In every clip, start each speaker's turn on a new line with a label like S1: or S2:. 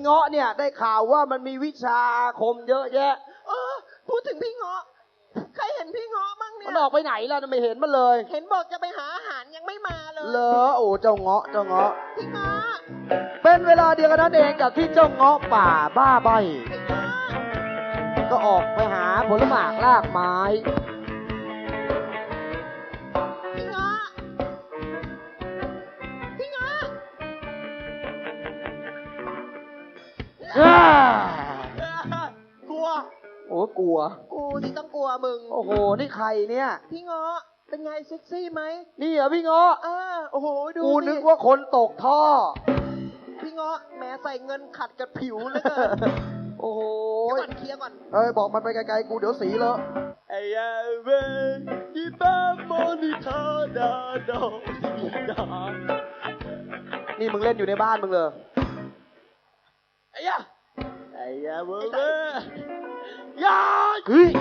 S1: งาะเนี่ยได้ข่าวว่ามันมีวิชาอาคมเยอะแยะ
S2: พูดถึงพี่เงาะใครเห็นพี่เงาะบ้างเนี่ย
S1: มันออกไปไหนล่ะไม่เห็นมันเลย
S2: เห็นบอกจะไปหาอาหารยังไม่มาเลย
S1: เหรอโอ้เจ้าเงาะ
S2: พี่เงาะ
S1: เป็นเวลาเดียวกันนั่นเองกับที่เจ้าเงาะป่าบ้าใบก็ออกไปหาผลหมากรากไม้
S2: พี่เงาะกลัว
S1: โอ้กลัว
S2: กูที่ต้องกลัวมึง
S1: โอ้โหนี่ใครเนี่ย
S2: พี่เงาะเป็นไงเซ็กซี่ไหม
S1: นี่เหรอพี่เงาะ
S2: โอ้โหดู
S1: กูนึกว่าคนตกท่อ
S2: พี่เงาะแม้ใส่เงินขัดกับผิวเลยเกิน
S1: โอ้โห
S2: เคลียร์ก่อน
S1: บอกมันไปไกลๆกูเดี๋ยวสีเลอะ
S2: ไอ้เว้ยอีบ้ามอนิทาดาดอดา
S1: นี่มึงเล่นอยู่ในบ้านมึงเลย
S2: ไอ้เว้ยยา
S1: เฮ้ย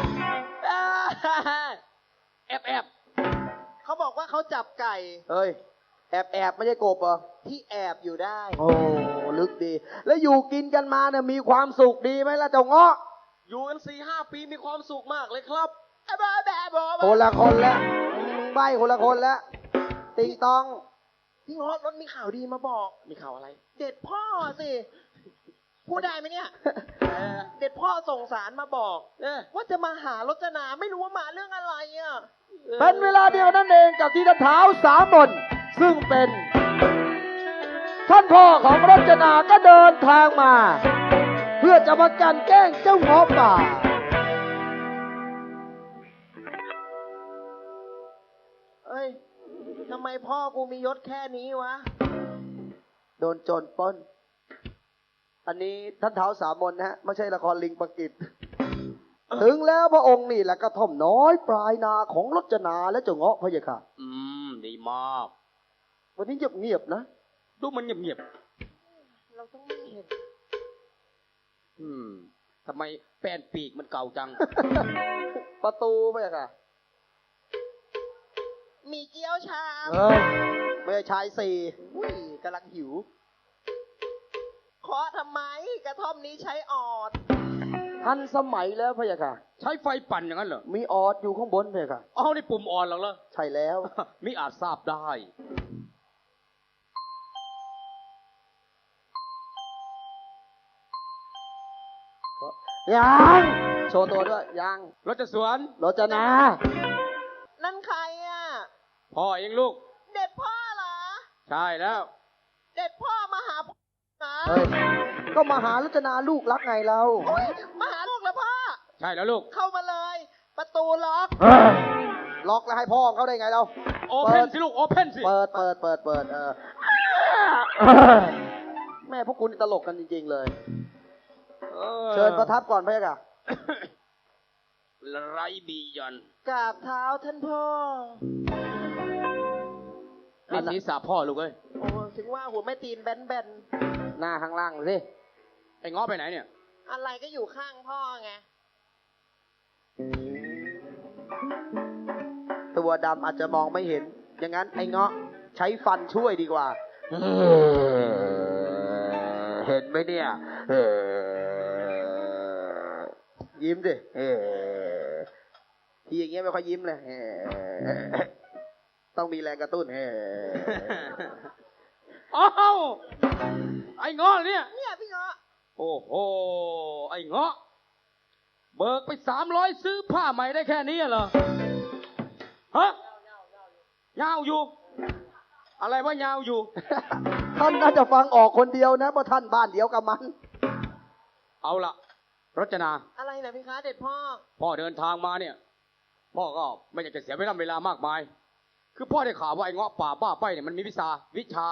S2: แอบเขาบอกว่าเขาจับไก่
S1: เฮ้ยแอบไม่ใช่กบเหรอ
S2: ที่แอบอยู่ได้
S1: โอ้ลึกดีแล้วอยู่กินกันมาเนี่ยมีความสุขดีไหมล่ะเจ้าเงาะ
S2: อยู่กัน 4-5 ปีมีความสุขมากเลยครับ
S1: คนละคนแล้วใบคนละคนแล้วติงตอง
S2: พี่เงาะรถมีข่าวดีมาบอกมีข่าวอะไรเด็ดพ่อสิพูดได้ไหมเนี่ยเด็ดพ่อส่งสารมาบอกว่าจะมาหารจนาไม่รู้ว่ามาเรื่องอะไรอ่ะ
S1: เป็นเวลาเดียวนั่นเองกับที่ท่านท้าวสามนซึ่งเป็นท่านพ่อของรจนาก็เดินทางมาเพื่อจะมากันแกล้งเจ้าเงาะป่า
S2: เอ้ยทำไมพ่อกูมียศแค่นี้วะ
S1: โดนโจรปล้นอันนี้ท่านท้าวสามนนะฮะไม่ใช่ละครลิงประกิตถึงแล้วพระองค์นี่แหละกระท่อมน้อยปลายนาของรจนาและเจ้าเงาะพะยะค่ะ
S3: ดีมาก
S1: วันนี้เงียบๆนะ
S3: ดูมันเงียบ
S2: เราต้องไม่เห็น
S3: ทำไมแป้นปีกมันเก่าจัง
S1: ประตูพะยะค่ะ
S2: มีเกี๊ยวชาม
S1: ไม่ใช่ชายสี่
S2: กำลังหิวขอทำไมกระท่อมนี้ใช้ออด
S1: ทันสมัยแล้วพะยะค่ะ
S3: ใช้ไฟปั่นอย่างนั้นเหรอ
S1: มีออดอยู่ข้างบนพะยะค่ะ
S3: นี่ปุ่มออดหรอ
S1: ใช่แล้ว
S3: มิอาจทราบได้
S1: ยังโชว์ตัวด้วยยัง
S3: รถจะสวน
S1: รจนา
S2: นั่นใครอ่ะ
S3: พ่อเองลูก
S2: เด็ดพ่อเหรอ
S3: ใช่แล้ว
S2: เด็ดพ่อมาหาพ่อ
S1: ก็มาหารจนาลูกรักไงเรา
S2: มาหาลูกแล้วพ่อ
S3: ใช่แล้วลูก
S2: เข้ามาเลยประตูล็อก
S1: ล็อกแล้วให้พ่อเขาได้ไงเรา
S3: โอเพนสิลูกโอเพนสิ
S1: เปิดแม่พวกคุณตลกกันจริงๆเลยเชิญประทับก่อนพะยะค่ะ
S3: ไรบียอน
S2: กราบเท้าท่านพ่อ
S3: นี่ศีรษะพ่อลูกเอ้ย
S2: โอ้ถึงว่าหัวแม่ตีนแบน
S1: หน้าข้างล่างสิ
S3: ไอ้ง้อไปไหนเนี่ย
S2: อะไรก็อยู่ข้างพ่อไง
S1: ตัวดำอาจจะมองไม่เห็นอย่างนั้นไอ้เงาะใช้ฟันช่วยดีกว่าเห็นไหมเนี่ยยิ้มดิทีอย่างเงี้ยไม่ค่อยยิ้มเลยต้องมีแรงกระตุ้น
S3: อ้าวไอ้เงาะเนี่ย
S2: พี่เงาะ
S3: โอ้โหไอ้เงาะเบิกไป300ซื้อผ้าใหม่ได้แค่นี้เหรอฮะยาวอยู่อะไรว่ายาวอยู่
S1: ท่านน่าจะฟังออกคนเดียวนะเพราะท่านบ้านเดียวกับมัน
S3: เอาล่ะรจนา
S2: อะไรนะพี่คะเด็ด
S3: พ่อเดินทางมาเนี่ยพ่อก็ไม่อยากจะเสียเวลามากมายคือพ่อได้ข่าวว่าไอ้เงาะป่าบ้าไปเนี่ยมันมีวิชา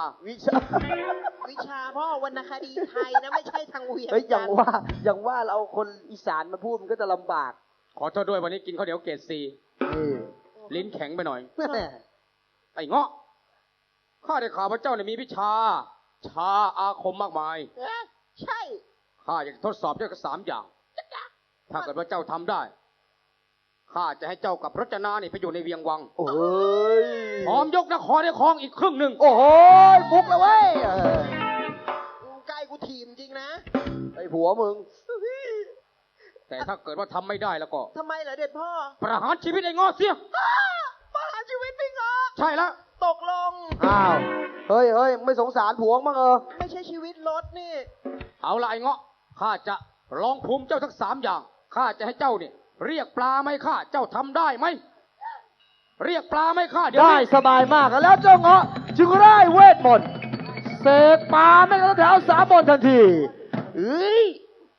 S2: พ่อวรรณคดีไทยนะไม่ใช่ทางเวียง
S1: อย่างว่าเราคนอีสานมาพูดมันก็จะลำบาก
S3: ขอโทษด้วยวันนี้กินข้าวเหนียวเกรดซีลิ้นแข็งไปหน่อยไอ้เงาะข้าได้ข่าวว่าเจ้าเนี่ยมีวิชาอาคมมากมาย
S2: ใช่
S3: ข้าอยากทดสอบเจ้ากับ3 อย่างถ้าเกิดว่าเจ้าทำได้ข้าจะให้เจ้ากับรจนานี่ไปอยู่ในเวียงวัง
S1: โอ้ย
S3: พร้อมยกนครในคลองอีกครึ่งหนึ่ง
S1: โอ้โหบุกแล้วเว้ย
S2: ใกล้กูทีมจริงนะ
S1: ผัวมึง
S3: แต่ถ้าเกิดว่าทำไม่ได้แล้วก็
S2: ทำไมเหรอเด็ดพ่อ
S3: ประหารชีวิตไอ้เงาะเสีย
S2: ประหารชีวิตพี่เงาะ
S3: ใช่แล้ว
S2: ตกลง
S1: อ้าว เฮ้ยไม่สงสารผัวมั้ง
S2: ไม่ใช่ชีวิตรถนี่
S3: เอาละไอ้เงาะข้าจะลองภูมิเจ้าทั้ง3 อย่างข้าจะให้เจ้าเนี่ยเรียกปลาไหมข้าเจ้าทำได้ไหมเรียกปลาไหมข้าเดี๋ยว
S1: ได้
S3: นี้
S1: สบายมากแล้วเจ้าเงาะจึงได้เวทมนต์เสกปลาแม่งกระแถวสามบนทันทีเอ้ย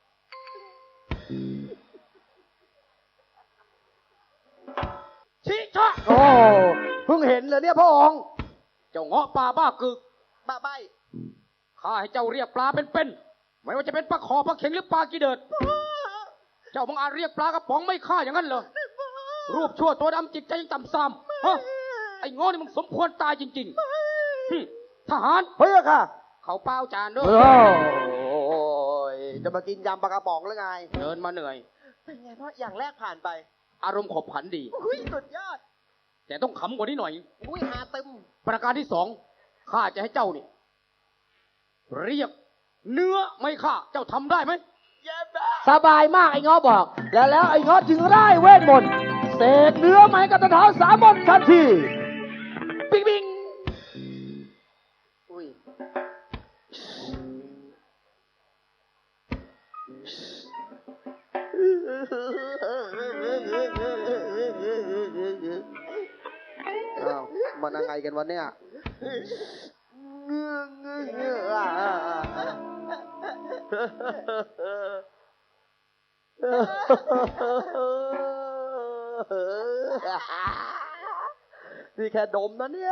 S3: ชิชะ
S1: โอ้เพิ่งเห็นเลยเนี่ยพระองค์
S3: เจ้าเงาะป่าบ้ากึก
S2: บ้าใบ
S3: ข้าให้เจ้าเรียกปลาเป็นๆไม่ว่าจะเป็นปลาขอปลาเข็งหรือปลากีเดิด เจ้าบังอาจเรียกปลากระป๋องไม่ฆ่าอย่างนั้นเหรอ รูปชั่วตัวดำจิตใจยังต่ำซ้ำฮะไอ้โง่นี่มึงสมควรตายจริงๆทหาร
S1: เฮ้ยค่ะ
S3: เขาเป้าจานด้วย
S1: โอ้ยจะมากินยำปลากระป๋องหรือไง
S3: เดินมาเหนื่อย
S2: เป็นไงพ่ออย่างแรกผ่านไป
S3: อารมณ์ขบขันดี
S2: อุ้ยสุดยอด
S3: แต่ต้องขำกว่านี้หน่อย
S2: อุ้ยหาตึม
S3: ประการที่ 2ข้าจะให้เจ้านี่เรียกเนื้อไม่ฆ่าเจ้าทำได้ไหม
S2: เย็บบ้า
S1: สบายมากไอ้เงาะบอก แล้วไอ้เงาะจึงได้เวทมนต์เสกเนื้อไม้กระแถวสามบนทันทีปิ๊งปิ๊ง
S2: อุ้ย
S1: อ้าวมันยังไงกันวะเนี่ยนี่แค่ดมนะเนี่ย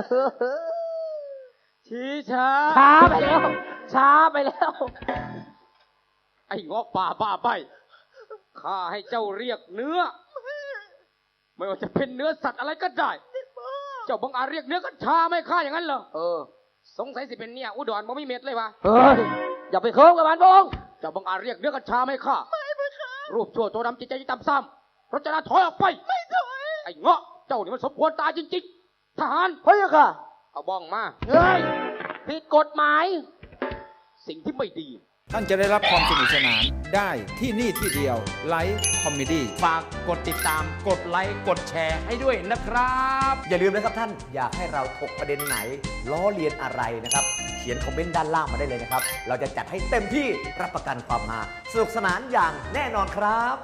S3: ชี้ช้า
S1: ช้าไปแล้ว ช้าไปแล้ว
S3: ไอ้เงาะป่าบ้าใบข้าให้เจ้าเรียกเนื้อ ไม่ว่าจะเป็นเนื้อสัตว์อะไรก็ได้ เจ้าบังอาจเรียกเนื้อกัญชาไม่ฆ่าอย่างนั้นเหรอ สงสัยสิเป็นเนี่ยอุดรบ่มีเม็ดเลยวะ
S1: เฮ้ย อย่าไปเคิร์ฟกับมันพระองค์
S3: เจ้าบังอาจเรียกเนื้อกัญชาไม่ฆ่ารูปชั่วตัวดำจิตใจต่ำซ้ำรจนาถอยออกไป ไม่ถอย ไอ้เงาะ เจ้านี่มันสมควรตายจริงๆ ทหาร
S1: เฮ้ยค่ะ
S3: เอาบ้องมา
S1: เฮ้ย ผิดกฎหมาย
S3: สิ่งที่ไม่ดี
S4: ท่านจะได้รับความสนุกสนานได้ที่นี่ที่เดียวไลฟ์คอมเมดี้
S5: ฝากกดติดตามกดไลค์กดแชร์ให้ด้วยนะครับ
S6: อย่าลืมนะครับท่านอยากให้เราถกประเด็นไหน ล้อเลียนอะไรนะครับ เขียนคอมเมนต์ด้านล่างมาได้เลยนะครับ เราจะจัดให้เต็มที่รับประกันความฮาสนุกสนานอย่างแน่นอนครับ